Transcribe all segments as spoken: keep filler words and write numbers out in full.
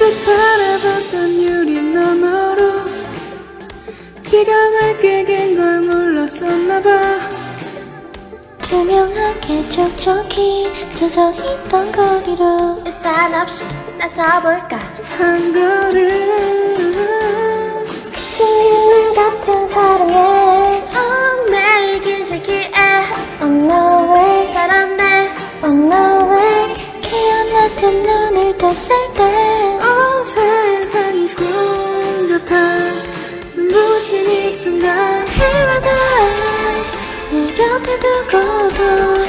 문득 바라봤던 유리 너머로 비가 맑게 갠 걸 몰랐었나봐. 투명하게 촉촉히 젖어있던 거리로 우산 없이 나서볼까. 한 걸음 스님물 같은 사랑에 어, 매일 긴 실기에 On no way, 살았네. on no way 기억나던 눈을 떴을 때 온 세상이 꿈 같아. 눈부신 이 순간 Paradise 내 곁에 두고도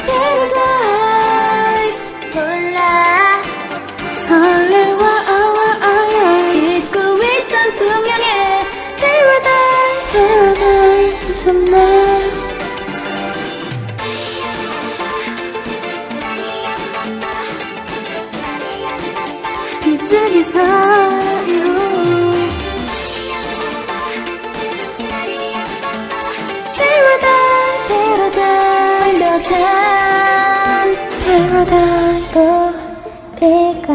Paradise 몰라. 설레와 아와 아야 잊고 있던 풍경에 Paradise Paradise somewhere 빗줄기 사이로 Paradise Paradise 완벽한 Paradise 또 비가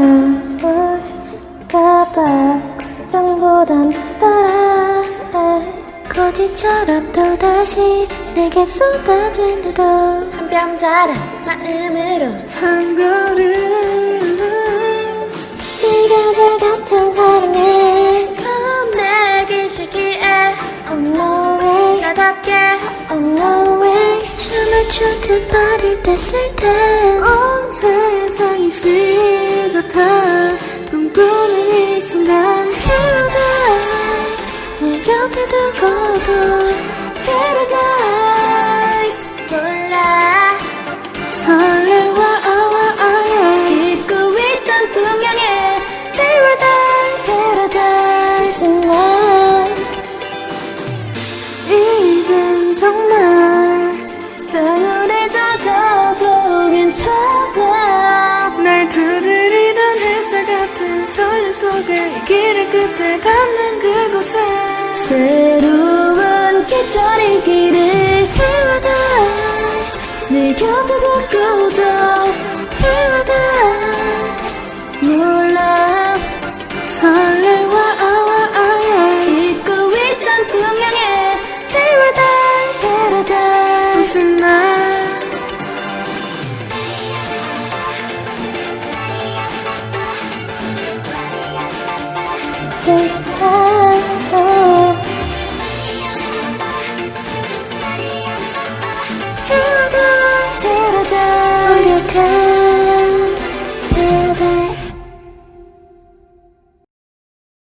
올까봐 걱정보단 비슷하라 거짓처럼 또다시 내게 쏟아진데도 한 뼘 자란 마음으로 한 걸음 시간들 같은 사랑에 내긴 실기에 On no way, 나답게 on no way 춤을 추듯 발을 뗐을 때 온 세상이 시 같아. 꿈꾸는 이 순간 Paradise 내 곁에 두고도 Paradise 몰라. 설레와 아와 아야 잊고 있던 풍경에 Paradise Paradise tonight 이젠 정말 방울에 젖어도 괜찮아. 날 두드리던 햇살 같은 설렘 속에 이 길을 끝에 닿는 그곳에 새로운 계절의 길을 Paradise 내 곁에 두고도 Paradise 몰라. 설레와 아와 아야 잊고 있던 풍경에 Paradise Paradise 무슨 날 Take